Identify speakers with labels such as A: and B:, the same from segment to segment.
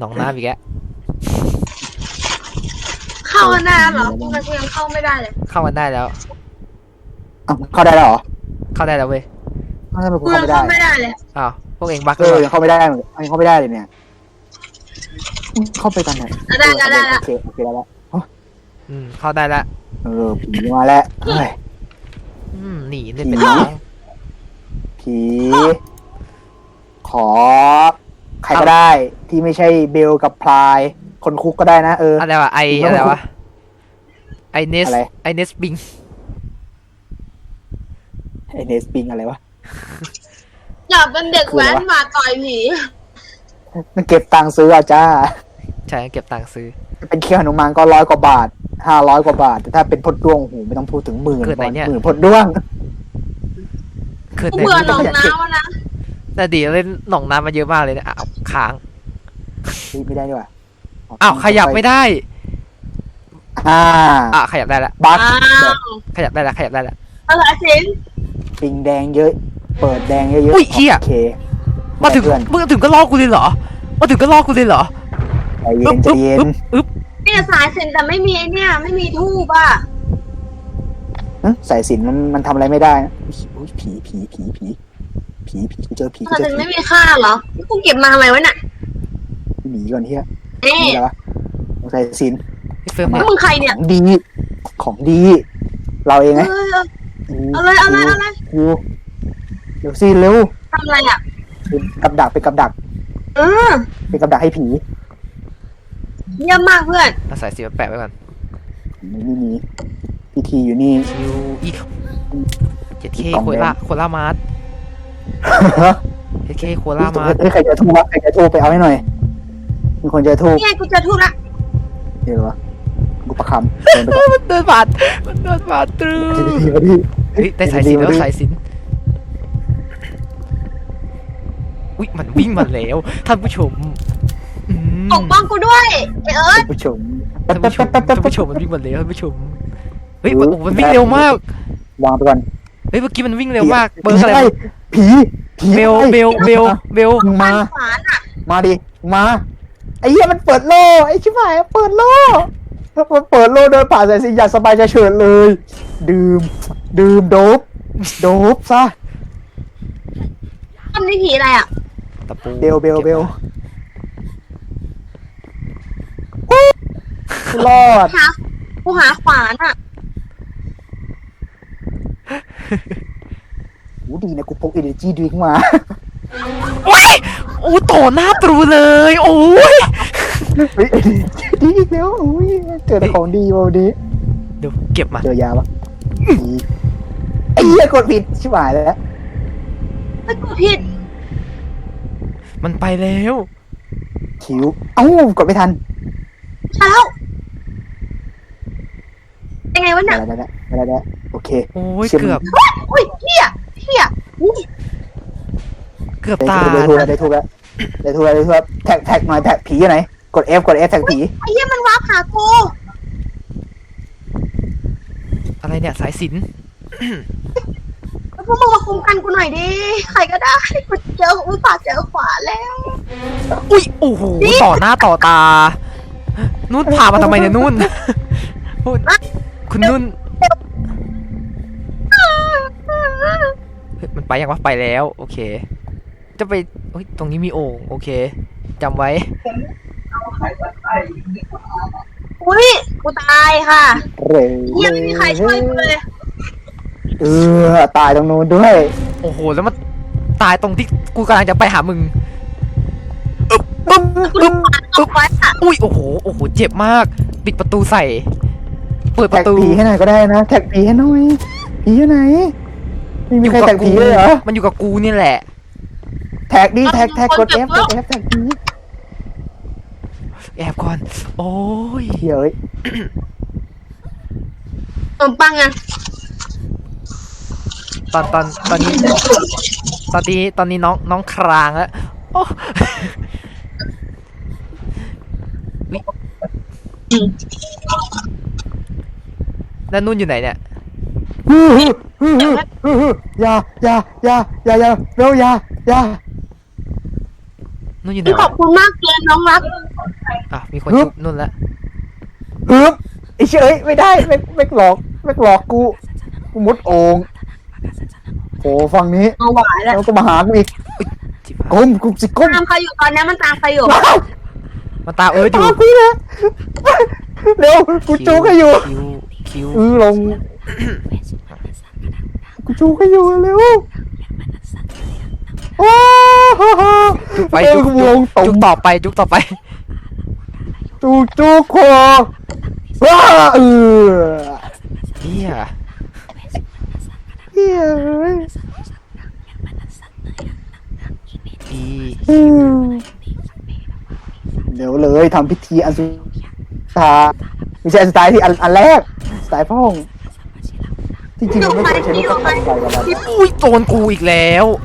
A: หนองน้ำอีกแล้ว
B: เข้าหน้าเหรอทำไมกูยังเข้าไม่ได้เลย
A: เข้ามันได้แล้ว
C: เข้าได้แล้วเหรอ
A: เข้าได้แล้วเว้ย
C: ทำไมกู
B: กูยัง
C: เข้าไม่ได้
B: เข้าไม่ได้เลย
A: อ้าวพวกเองบั๊ก
C: ยังเข้าไม่ได้ยังเข้าไม่ได้เลยเนี่ยเข้าไปกันหน่อย
B: ได้
C: โอเคได้แล้ว
A: เข้าได้แล้ว
C: ผีมาแล้วเฮ้ย
A: หนีได้เป็นไง
C: ผีขอใครก็ได้ที่ไม่ใช่เบลกับพลายคนคุกก็ได้นะ
A: อะไรวะอะไรวะไอเนสบิง
C: อะไรวะ
B: อยากเป็นเด็กแว้นมาต่อยผี
C: มันเก็บตังค์ซื้อจ้า
A: ใช่เก็บตังค์ซื้อ
C: เป็นเคี้ยวหนุมานก็100 กว่าบาท500 กว่าบาทแต่ถ้าเป็นพดด้วงโหไม่ต้องพูดถึง10,000พดด้วง
B: เบื่อหนองน้ำนะ
A: แต่ดีเล่นหนองน้ำมาเยอะมากเลยนะค้าง
C: ไม่ได้ด้วย
A: ขยับไม่ได้ขยับได้แล้ว
C: บั๊ก
A: ขยับได้แล้ว
B: อะไรสิน
C: ปิงแดงเยอะเปิดแดงเยอะ
A: อุ้ยเฮียมาถึงก็ลอกกูเลยเหรอ
C: ใจเย็น
B: เนี่ยสายสินแต่ไม่มีเนี่ยไม่มีทูบอ่ะ
C: สายสินมันทำอะไรไม่ได้ผีกูเจอผี
B: สายสินไม่มีค่าเหรอกูเก็บมาทำไมวะเนี่ย
C: หนีก่อนเฮียนี่เหรอสายสิน
B: มึงใครเนี่ย
C: ของดีเราเองไง
B: อะไร
C: กูเดี๋ยวสิเร็ว
B: ทำอะไรอ่ะ
C: เป็นกับดักเป็นกับดักให้ผี
B: เยี่ยมมากเพื่อน
A: เอาสายสีมาแปะไว้ก่อน
C: นี่มีพิธีอยู่นี่
A: คิวอีก7K โคล่ามาร์ท7K โคล่ามาร์ท
C: ใครจะทูบไปเอาให้หน่อยมีคนจะทูบ
B: นี่กูจะทูบละ
C: เดี๋ยววะกูประคำ
A: มันเดินผ่านตรึได้สายสินแล้วอุ๊ยมันวิ่งมาแล้วท่านผู้ชม
B: ปกป้องกูด้วย
C: ท่านผู้ชม
A: มันวิ่งมาแล้วท่านผู้ชมเฮ้ยมันวิ่งเร็วมาก
C: วางไปก่อน
A: เฮ้ยเมื่อกี้มันวิ่งเร็วมากเบอร์อะไร
C: ผี
A: เบล
C: มาดิมาไอ้เหี้ยมันเปิดโล่ไอ้ชิบหายเปิดโล่เดินผ่านสายสินอย่างสบายใจเฉิดเลยดื่มโดบซะ
B: ทำนี่ผีอะไรอ่ะ
C: เบลรอด
B: กูหาขวานอ่ะ
C: ดีนะกูพก energy drink มา
A: โอ้ต่อหน้าตรูเลยโอ้ย
C: ดีอีกแล้วโอ้ยเจอของดีวันนี้
A: เดี๋ยวเก็บมา
C: เจอยาปะไอ้เหี้ยกดผิดชิบหายแล้ว
B: ไม่กดผิด
A: มันไปแล้ว
C: คิวกดไม่ทัน
B: ใช่แล้วยังไงวะเนี่ย
C: ได้โอเค
A: โอ้ยเกือบ
B: โอ้ยเหี้ย
A: เกือบตาย
C: ได้ทูแล้วแท็กหน่อยแท็กผีไหนกด F แท็กผี
B: ไอ้เหี้ยมันวาร์ปหากู
A: อะไรเนี่ยสายสิญ
B: พวกมึงมาคุมกันกูหน่อยดิใครก็ได้กูเจออุตส่าห์เจอขวาแล้ว
A: อุ้ยโอ้โหต่อหน้าต่อตานุ่นพามาทำไมเนี่ยนุ่นคุณนุ่นมันไปยังวะไปแล้วโอเคจะไปตรงนี้มีโอ่งโอเคจำไว้
B: อุ้ยกูตายค่ะยังไม่มีใครช่วยกูเลย
C: ตายตรงนู้นด้วย
A: โอ้โหแล้วมันตายตรงที่กูกำลังจะไปหามึงอุ้ยโอ้โหเจ็บมากปิดประตูใส่เปิดประตู
C: ผีให้หน่อยก็ได้นะแท็กผีให้หน่อยผีอยู่ไหนไม่มีใครแท็กผีเลยเหรอ
A: มันอยู่กับกูนี่แหละ
C: แท็กดิแท็กกด F แท็กผี
A: แอบก่อนโอ้ย
C: เฮ้ย
B: ปังอ่ะ
A: ตอนนี้น้องครางแล้วโอ้แล้วนุ่นอยู่ไหนเนี่ย
C: อย่าเร็วอย่า
A: นุ่นอยู่ไหน
B: ขอบคุณมากเลยน้องรัก
A: อ่ะมีคน
C: ฮึบ
A: ชุบนุ่นแล้ว
C: ฮึบไอ้เชยไม่ได้ไม่หลอกกูมุดโอ่งโอ้ฝั่งนี้
B: เอาหวานแล้ว
C: แล้วก็มาหากูอีก
A: จิบหาย
C: ก้มกูสิก้ม
B: ตามใครอยู่ตอนนี้มันตามใครอยู่
A: มันตามอยู่
C: ตามพี่นะเร็วกูจูกให้อยู่
A: คิว
C: ลงกูจูกให้อยู่เร็วโอ้โห
A: จุกไป
C: เอ้ย
A: จุก
C: กูลงต
A: จุ
C: ม
A: กต่อไปจุกต่อไป
C: จูคอว้าเออ
A: เฮีย
C: เฮ้ย
A: อี
C: เดี๋ยวเลยทำพิธีอันสุดท้ายไม่ใช่อันสุดท้ายที่อันแรกสไตล์พ่องที่จริงมันไม่ควรใช้ลูกกระสุนใส่กับมัน
A: อุ้ยโจนกูอีกแล้ว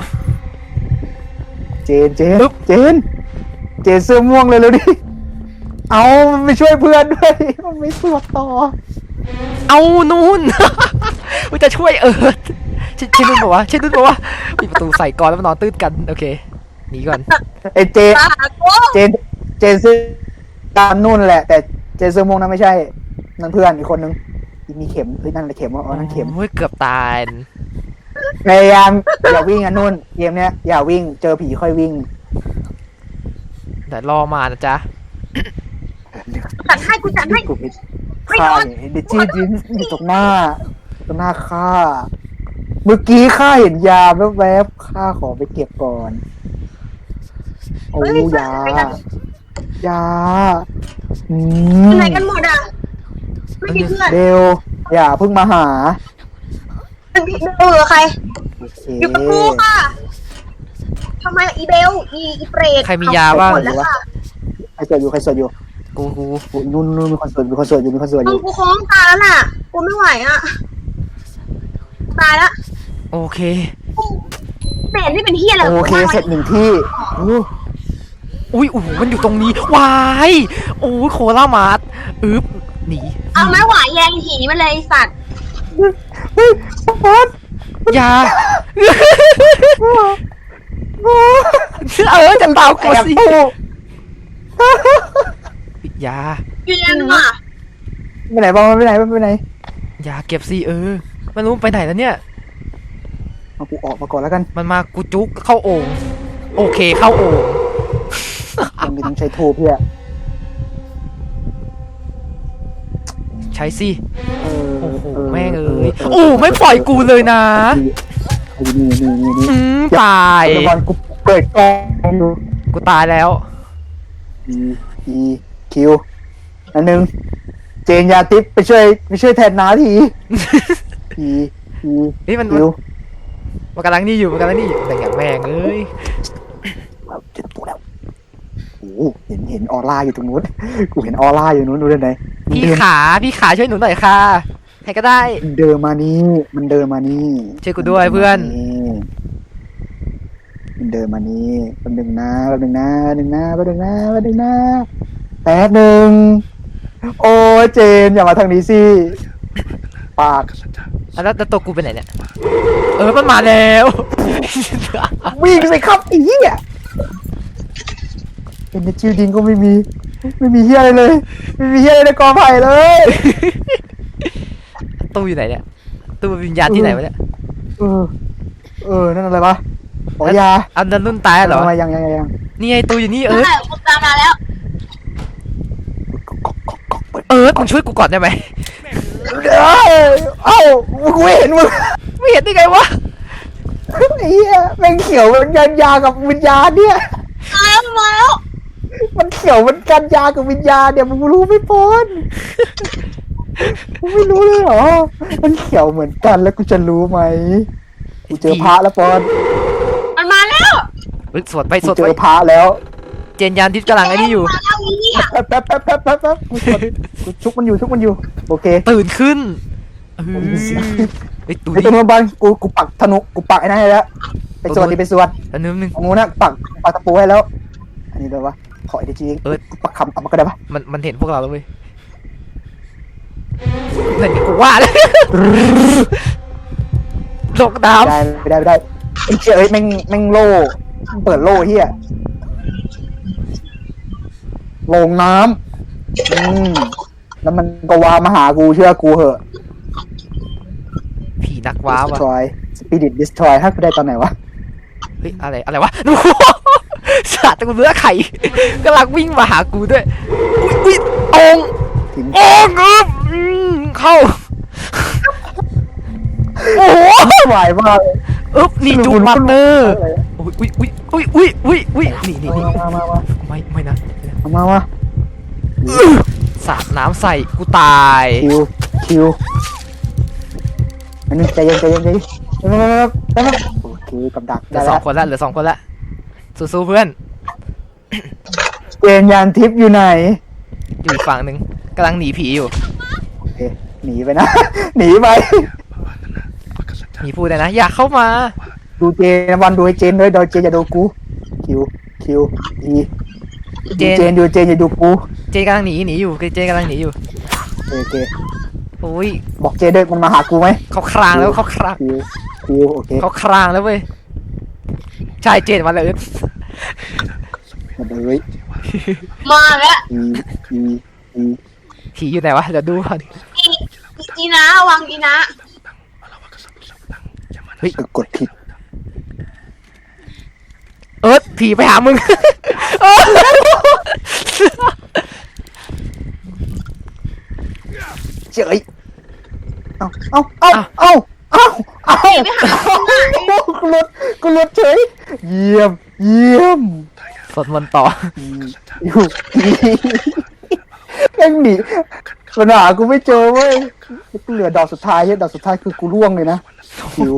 C: เจนเสื้อม่วงเลยดิเอามันไปช่วยเพื่อนด้วยมันไม่สวดต่อ
A: เอานู่น มันจะช่วยใช่นุ่นบอกว่าใช่นุ่นบอกว่าปิดประตูใส่ก่อนแล้วมานอนตื้นกันโอเคหนีก่อน
C: ไอเจ
B: ตากู
C: เจนเสื้อตามนู่นแหละ แต่เจนเสื้อม่วงนั้นไม่ใช่นั่นเพื่อนอีกคนนึงมีเข็มเฮ้ยนั่นแหละเข็มว่าอ๋อนั่นเข็ม
A: โอ้ยเกือบตาย
C: พยายามอย่าวิ่งอ่ะนู่นเกมเนี้ยอย่าวิ่งเจอผีค่อยวิ่ง
A: แต่รอมานะจ๊ะ
B: กูจัดให้
C: กูไปฆ่าเดจี้ดินอยู่ตรงหน้าฆ่าเมื่อกี้ข้าเห็นยาแวบๆข้าขอไปเก็บก่อนโอ้ยาอื
B: ไหนกันหมดอ่ะไม่มีเพื่อน
C: เดวอย่าเพิ่งมาหา
B: เออใคร
C: โอเค
B: อยู่กับกูค่ะทำไมอีเบลอีเปรต
A: ใครมียาบ้าง
B: หมดแล้วค่ะ
C: ใครสวดอยู่
A: กู
C: โอ้ยนู่นมีคนสวดอยู่
B: ต้องกูโค้งตายแล้วน่ะกูไม่ไหวอ่ะตายแล้ว
A: โอเค
B: เปรตนี่เป็นเฮียอะไร
C: โอเคเสร็จหนึ่งที่อู้
A: อุ้ยโอ้โหมันอยู่ตรงนี้วายโอ้ยโคล่ามาร์ทหนี
B: เอาไม้หวายแยงหีมันเลยไอ้สัตว์
C: เฮ้ยบอส
A: ยาจะตามกูสิ
C: แอบตู้
A: ยา
B: อยู่ยังอ่ะ
C: ไปไหนบ้างไปไหน
A: ยาเก็บสิไม่รู้ไปไหนแล้วเนี่ย
C: เอากูออกมาก่อนแล้วกัน
A: มันมากูจุกเข้าโอ่งโอเคเข้าโอ่ง
C: ยังมีต้องใช้ทูบเพื่อ
A: ใช้สิ โอ้โห
C: เ
A: แม่งโอ้ไม่ปล่อยกูเลยนะ
C: นี่
A: ตาย
C: ตอนกูเปิดกล้องดู
A: กูตายแล้ว
C: อีคิวอันนึงเจนยาติ๊บไปช่วยแทนน้าทีอี
A: เฮ้ยมัน
C: คิว
A: มันกำลังนี่อยู่แต่อย่างแม่ง
C: เจอตัวแล้วโอ้เห็นออร่าอยู่ตรงนู้นกูเห็นออร่าอยู่นู้นดูได้ไหน
A: พี่ขาช่วยหนูหน่อยค่ะใครก็ได้
C: มันเดินมานี่
A: ช่วยกูด้วยเพื่อน
C: มันเดินมานี่แป๊บนึงนะแป๊บนึงโอ้เจนอย่ามาทางนี้สิปาก
A: แล้วตัวกูไปไหนเนี่ยมันมาแล้ว
C: วิ่งสิครับไอ้เหี้ยเป็นในชื่อดิงก็ไม่มีเหี้ยอะไรเลยไม่มีเหี้ยอะไรในกอไผ่เลย
A: ตู้อยู่ไหนเนี่ยตู้วิญญาณที่ไหนวะเนี่ย
C: นั่นอะไรปะอ๋อยา
A: อันนั้นนุ่นตายเหรอ
C: ยัง
A: นี่ไงตู้อยู่นี่
B: นั่นแหละกูตามมาแล้ว
A: มึงช่วยกูก่อนได้ไหม
C: เอ้ากูเห็นมึง
A: ไม่เห็นได้ไงวะ
C: ไอ้เหี้ยแม่งเขียวมันกันยากับวิญญาณเนี่ย
B: ตายแล้วมาแล้ว
C: มันเขียวมันกันยากับวิญญาณเนี่ยมึงรู้ไม่ปอนมึงไม่รู้เลยเหรอมันเขียวเหมือนกันแล้วกูจะรู้ไหมกูเจอพระแล้วปอน
B: มันมาแล้ว
A: สวดไป
C: กูเจอพระแล้ว
A: เจนยานทิพย์กำลังไอ้นี่อยู่
B: มาแล้วอีเนี่ย
C: แป๊บกูชุกมันอยู่โอเค
A: ตื่นขึ้นไอ้ตู้
C: ไอ้ตัว
A: นี้
C: นู้นบ้านกูปักธนูกูปักไอ้นั่นให้แล้วไปสวด
A: อันนึง
C: ของนู้นนะปักตะปูให้แล้ว อันนี้เลยวะขอไอ้จริงกูปักคำเอามาก็ได้ปะ
A: มันเห็นพวกเราแล้วเว้ยเห็นกูว่าเลยลงน้ำ
C: ไม่ได้ไอ้เชี่ยแม่งโล่เปิดโล่เฮียลงน้ำแล้วมันก็วามาหากูเชื่อกูเหอะ
A: ผีนักว้าวอะ
C: destroy spirit destroy ถ้ากูได้ตอนไหนวะ
A: เฮ้ยอะไรวะดูสัตว์กูเนื้อไข่กำลังวิ่งมาหากูด้วยอุ้ยตรง
C: ทิ้ง
A: โอ้งึบเข้าโอ้โห
C: ไหวมาก
A: นี่จุกมาสเตอร์อุ้ยนี่ ไม่นะ
C: มา
A: สาดน้ำใส่กูตาย
C: คิวอันนี้ใจเย็นโอเคกับดัก
A: เหลือสองคนละสู้ๆเพื่อน
C: เจนยานทิพย์อยู่ไหน
A: อยู่อีกฝั่งหนึ่งกำลังหนีผีอยู่
C: โอเคหนีไปนะ หนีไป
A: มีพูดเลยนะอยากเข้ามา
C: ดูเจนวันดูไอ้เจนด้วยโดยเจนอย่าดูกูคิวอี
A: เจ
C: เจนดูเจนอย่าดูกู
A: เจกำลังหนีอยู่เจกำลังหนีอยู่
C: โอเค
A: โอ้ย
C: บอกเจนด้วยมันมาหากูไหม
A: เขาครางแล้วเขาคราง
C: คิวโอเค
A: เขาครางแล้วเว้ยใช่เจนมาเลย
C: มาเลย
B: มาแล้ว
C: อี
A: ผีอยู่ไหนวะเดี๋ยวดูก่อน
B: อีนะวางอีนะ
C: กดผิด
A: ผีไปหามึง
C: เจ๋ยเอากูหลุดเฉยเยี่ยม
A: สวดมนต์ต่อ
C: อยู่แม่งหนีปัญหากูไม่เจอเว้ยกูเหลือดอกสุดท้ายดอกสุดท้ายคือกูร่วงเลยนะคิว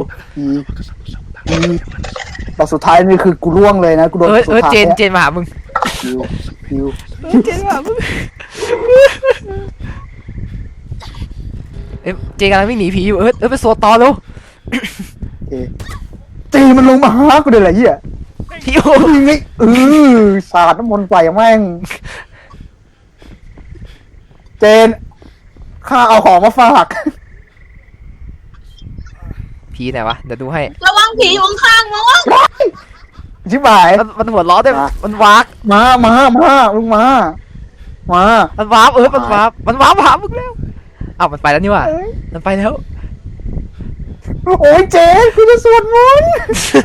C: ดอกสุดท้ายนี่คือกูร่วงเลยนะกูโดนสุดท้าย
A: เจนมาหามึง
C: คิว
A: เจนมาหามึงเจนกำลังวิ่งหนีผีอยู่ไปสวดต่อเร็ว
C: จีมันลงมาหากูเลยแหละเหี้ย
A: พี่โอ้
C: ยิงไงสาดน้ำมนต์ใส่แม่งเจนข้าเอาของมาฝาก
A: ผีไหนวะเดี๋ยวดูให้
B: ระวังผีอยู่ข้างๆมั้ง
C: ชิบหาย
A: มันหัวล้อด้วยมันวาก
C: มาลุงมา
A: มันวาร์ปมันวาร์ปหามึงแล้วอ้าวมันไปแล้วนี่ว่ะมันไปแล้ว
C: โอ้ยเจนกูจะสวดมนต์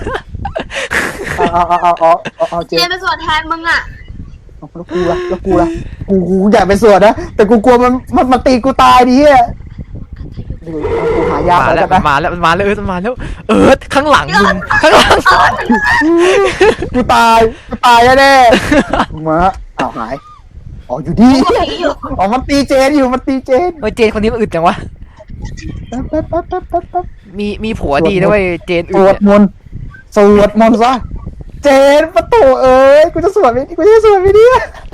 C: เอาเจ
B: เจ
C: น
B: นไปสวดแทนมึงอ่ะ
C: แล้วกูละกูอยากไปสวดนะแต่กูกลัวมันตีกูตายดิเฮียเดี๋ยวกูหายา
A: มา
C: แล้
A: แล้ว
C: วกัน
A: มัน
C: นะ
A: มาแล้วมันมาแล้วข้างหลังมึงข้างหลัง
C: กูตายแน่ๆมาอ้าวหายอ๋ออยู่ดี
B: ผีอยู่
C: อ๋อมันตีเจนอยู่มันตีเจน
A: เจนคนนี้มันอึดจังวะ
C: แป๊บ
A: มีผัวดีด้วยเจน
C: ส
A: อึ
C: ว
A: ด
C: ดมนต์ซะเจนประตูเอ้ยกูจะสวดไหมเนี่ย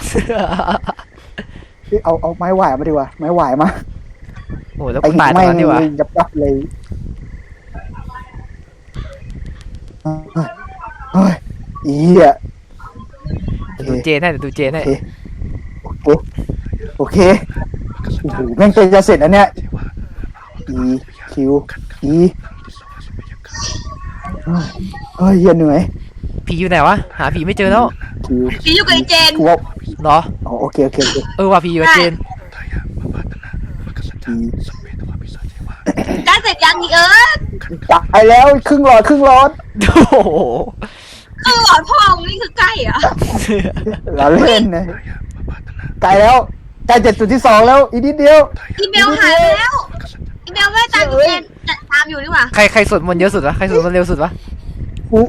C: เอาไม้หวายมาดีกว่าไม้หวายมา
A: โอ้แล้วกูตายตรงนั้นดีวะ
C: ยับเลยเฮ้ยอีอ่ะ
A: ดูเจนให้ดูเจนให้
C: โอเคโอ้โหแม่งจะเสร็จแล้วเนี่ยคิวเฮ้ยเหนื่อย
A: ผีอยู่ไหนวะหาผีไม่เจอแล้ว
C: คิว
B: ผีอยู่กับไอ้เจน
C: กูว่า
A: เหรอ
C: อ๋อโอเค
A: ว่ะผีอยู่กับเจน
B: ได้เสร็จยังอี
C: จับไปแล้วครึ่งหลอด
A: โอ้โห
B: หลอดพ่อมึงนี่คือใกล้เหรอ
C: เราเล่นนะไกลแล้วใกล้7.2แล้วอีกนิดเดียว
B: อีเมลหายไปแล้วอีเมลไม่ได้ตามเจนตามอยู่นี่หว่า
A: ใครสวดมนต์เยอะสุดวะใครสวดมนต์เร็วสุดวะ
C: กู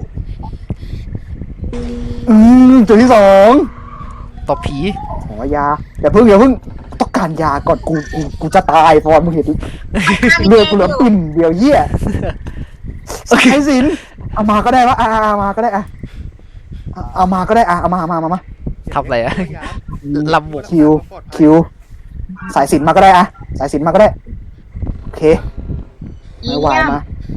C: 2.2
A: ตบผี
C: ขอยาอย่าเพิ่งต้องการยาก่อนกูจะตายฟอนมึงเห็นเลือดกูเหลือปิ่มเดียวเหี้ยสายสินเอามาก็ได้วะเอามาก็ได้เอามาก็ได้เอามา
A: ทำอะไรอะลำบก
C: คิวสายสินมาก็ได้สายสินมาก็ได้โอเคไม่ไหวมา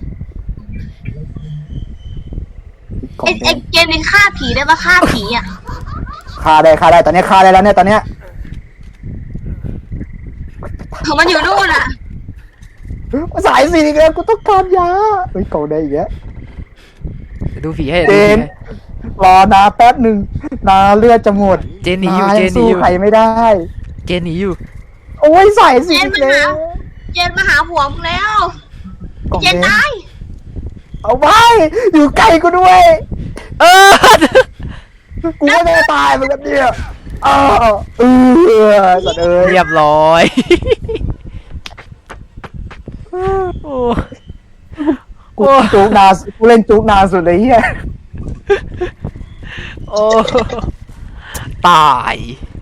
B: ไอ้เกมนี้ฆ่าผีได้ปะฆ่าผีอ่ะ
C: ฆ่าได้ตอนนี้ฆ่าได้แล้วเนี่ยตอนเนี้ย
B: มันอยู่นู่นอ่ะ
C: สายสินอีกแล้วกูต้องการยาเฮ้ยเก่าได้อีกแล้ว
A: ดูผีให้
C: เจนรอนาแป๊บหนึ่งนาเลือดจะหมด
A: เจนหนีอยู่
C: นา
A: เจ
C: ยั
A: น
C: ง
A: หนี
C: สู้
A: อยู่
C: ใครไม่ได้
A: เจนหนีอยู่
C: โอ้ยใส่สิ
B: เจนมา
C: เจ๊
B: หาเจนมาหาผัวมึงแล้ว
C: กล่อง
B: เจน
C: แด
B: ตาง ย
C: เอาไว้อยู่ใกล้กูด้วย
A: เออ
C: กูก็ไม่ตายเหมือนกันเนี่ยสัตว์เอ้ย
A: เรียบร้อย โอ้
C: กูจุกนานกูเล่นจุกนานสุดเลยเฮีย
A: โอ้ตาย